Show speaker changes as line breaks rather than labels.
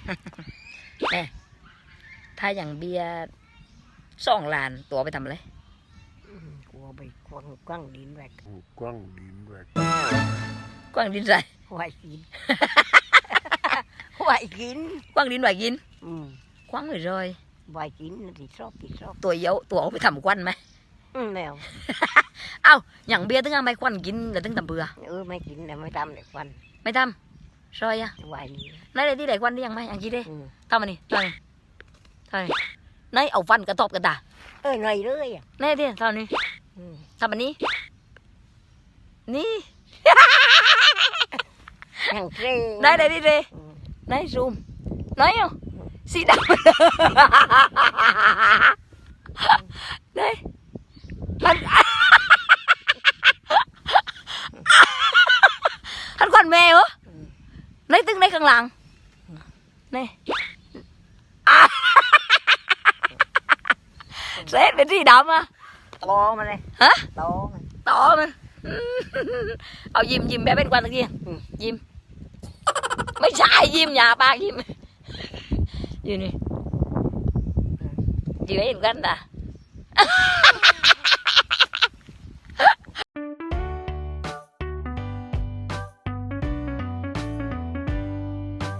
แน่ถ้าอย่างเบียร์2 ล้านตัวไปทำอะไร
กลัวไปกว้างดินแหวก
กว้างดินใส่
ไหวกิน ไหวกิน
กว้างดินไหวกิน
Ừ.
กว้างไปเลย
ไหวกินthì shop thì shop
ตัวเยอะตัวเอาไปทำควันไหม
nào
เอ้าอย่างเบียร์ตึงเอาไปควันกินแล้วตึงทำเบื่อ
mấy kín là mấy tam để quanh
ไม่ทำซอยอะ
hoài đi
ไหนเลยที่ไหนควันได้ยังไหมอย่างกี้ดิ
ừ.
ทำมานี่ทำนี่ทำนี่ไหนเอาฟันกระทบกันตา
ơi ngày đấy à
ไหนดิทำนี่
ừ.
ทำอันนี้นี่
thằng tre
ได้เลยดิเร
ừ.
ไหนซูมไหนอ่ะสีดำไหนมันหันควันแม่เหรอไหนตึงไหนข้างหลังไหนเสร็จเป็นสีดำอ่ะ
to mà đây
ฮะ
to mà
ต่อมันเอายิ้มแบบเป็นควันตะกี้ยิ้มไม่ใช่ยิ้มอย่าปากยิ้มอยู่นี่ยิ้มให้เห็นกันนะ